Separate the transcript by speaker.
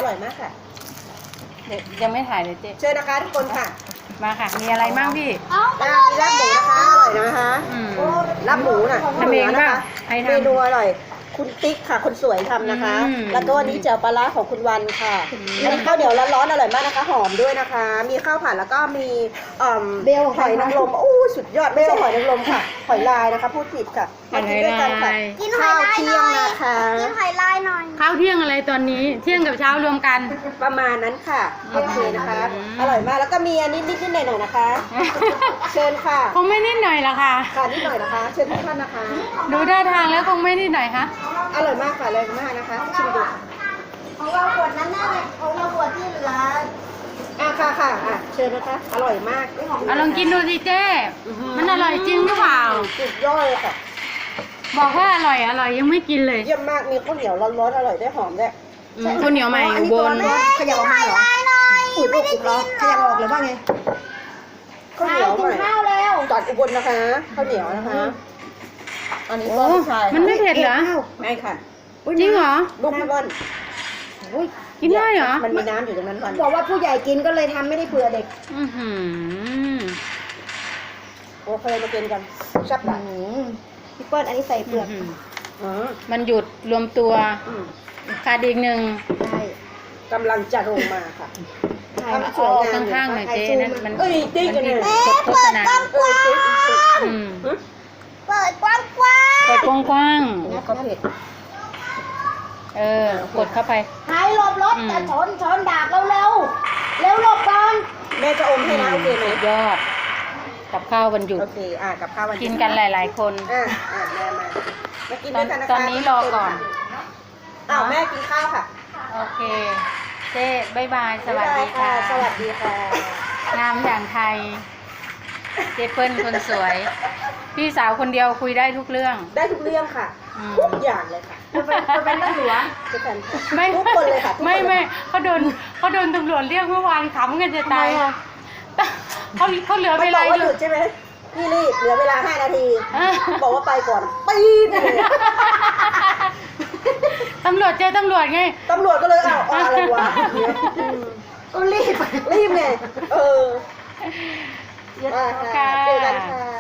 Speaker 1: ร่อยมากค่ะ
Speaker 2: เดี๋ยวยังไม่ถ่ายเลยเจ๊
Speaker 1: เชิญนะคะทุกคนค่ะ
Speaker 2: มาค่ะ มีอะไรบ้างพี่
Speaker 1: มีลาบหมูนะคะอร่อยนะคะ
Speaker 2: อืม
Speaker 1: ลาบหมูน่ะ
Speaker 2: ทำเอง
Speaker 1: นะ
Speaker 2: ป่ะ
Speaker 1: คะ
Speaker 2: ใครทำ
Speaker 1: เมนูอร่อย คุณติ๊กค่ะคนสวยทำนะคะ
Speaker 2: อืม
Speaker 1: แล้วก็อันนี้เจียวปลาร้าของคุณวันค่ะอันนี้ข้าวเหนียวร้อนๆอร่อยมากนะคะ หอมด้วยนะคะ มีข้าวผัดแล้วก็มี
Speaker 3: เบล
Speaker 1: หอยนางรมอู้สุดยอดไม่ใช่หอยนางรมค่ะ หอยลายนะคะพูดผิดค่ะมากินด้วยกันค่ะ
Speaker 3: กินหอ
Speaker 1: ข้า
Speaker 3: ยว ลาย
Speaker 1: เที่
Speaker 3: ห
Speaker 1: ย
Speaker 3: น่
Speaker 1: ง
Speaker 3: อย
Speaker 1: นะคะ
Speaker 3: กินหอยลายหน่อย
Speaker 2: ข้าวเที่ยงอะไรตอนนี้ เที่ยงกับเช้ารวมกัน
Speaker 1: ประมาณนั้นค่ะโอเคนะคะ อร่อยมากแล้วก็มีอันนี้นิดๆหน่อยๆนะคะ เชิญค่ะ
Speaker 2: คงไม่นิดหน่อยละค่ะ
Speaker 1: ค่ะนิดหน่อยนะคะ เชิญทุกท่านนะคะ
Speaker 2: ดูท่าทางแล้วคงไม่นิดหน่อยคะ
Speaker 1: อร่อยมากค่ะอร่อยมากนะคะชิมดูค่ะ
Speaker 3: ของเราขวดนั้นน่ะของเราขวดที่เหลือ
Speaker 1: ค่ะเชิญนะคะ อร่อยมาก
Speaker 2: เอาลองกินดูสิเจ๊มันอร่อยจริงหรือเปล่า
Speaker 1: สุดยอดเลยค่ะ
Speaker 2: บอกว่าอร่อยยังไม่กินเลย
Speaker 1: เยี่ยมมากมีข้าวเหนียวร้อนๆอร่อยได้หอมด้วย
Speaker 2: ข้าวเหนียวใหม่อุบล
Speaker 1: ขยับออกมาเหรอ
Speaker 3: ลายหน่อย
Speaker 1: ไม่ได้กินขยับออกหรือว่าไงข้าวเหนียว
Speaker 3: กิ
Speaker 1: ให
Speaker 3: น
Speaker 1: ม่
Speaker 3: ข้าวแล้ว
Speaker 1: จากอุบลนะคะข้าวเหนียวนะคะ อันนี้
Speaker 2: โอ้
Speaker 1: ก็ผู้ชาย
Speaker 2: มันไม่เผ็ดเหรอ
Speaker 1: ไม่ค่ะ
Speaker 2: จริงเหรอ
Speaker 1: ลูกพี่บอล
Speaker 2: กินได้เหรอ
Speaker 1: มันมีน้ำอยู่ตรงนั้นก่อน
Speaker 3: บอกว่าผู้ใหญ่กินก็เลยทำไม่ได้เผื่อเด็ก
Speaker 2: อือหือ
Speaker 1: โอเคมากินกันชับหลัง
Speaker 3: พี่เปิ้ลอันนี้ใส่เปลือก
Speaker 2: มันหยุดรวมตัว
Speaker 1: อืม
Speaker 2: ขาดอีกหนึ่ง
Speaker 3: ใช่
Speaker 1: กำลังจะลงมาค่ะ
Speaker 3: ใช่
Speaker 1: ทำส
Speaker 2: เอา
Speaker 1: วย
Speaker 2: ออก
Speaker 1: งาม
Speaker 2: ข้างๆหน่อยเจ๊นั่นมัน
Speaker 1: เอ้ยติ๊กกันเลย
Speaker 2: โฆษณา
Speaker 1: ติ๊ก
Speaker 2: อืม
Speaker 3: เปิดกว้างกว้าง
Speaker 2: เปิดกว้าง
Speaker 1: ก็เผ็ด
Speaker 2: ๆกดเข้าไป
Speaker 3: หายหลบรถจะชนดาบเร็วเร็วหลบก่อน
Speaker 1: แม่จะอมให้นะโอเคไหม
Speaker 2: สุดยอด กับข้าววันหยุด
Speaker 1: โอเคกับข้าววันหยุด
Speaker 2: กินกันหลายๆคน
Speaker 1: แม่มากินด้วยกันนะคะ
Speaker 2: ตอนนี้รอก่อน
Speaker 1: แม่กินข้าวค่ะ
Speaker 2: โอเค เจ๊บ๊ายบาย สวัสดีค่ะ
Speaker 1: สวัสดีค่ะ
Speaker 2: งามอย่างไทย เจเปิ้ลคนสวย พี่สาวคนเดียวคุยได้ทุกเรื่อง
Speaker 1: ได้ทุกเรื่องค่ะ
Speaker 2: อืม
Speaker 1: ทุกอย่างเลยค่ะจะเป็นตำรวจจะเป็น
Speaker 2: ไม่
Speaker 1: ทุกคนเลยค่ะทุกคน
Speaker 2: ไม่เขาโดนตำรวจเรียกเมื่อวานขำกันจะตายเขาเหลือ
Speaker 1: มั
Speaker 2: เวน
Speaker 1: บอ
Speaker 2: ลาก
Speaker 1: ว่า
Speaker 2: อ
Speaker 1: ห
Speaker 2: ยู่
Speaker 1: ยุดใช่ไหมพี่รีบเหลือเวลา5 นาที บอกว่าไปก่อนปี๊ดเลย
Speaker 2: ตำรวจเจอตำรวจไง
Speaker 1: ตำรวจก็เลยเอาอะไรวะก็รีบไงมาค่ะเจอกันค่ะ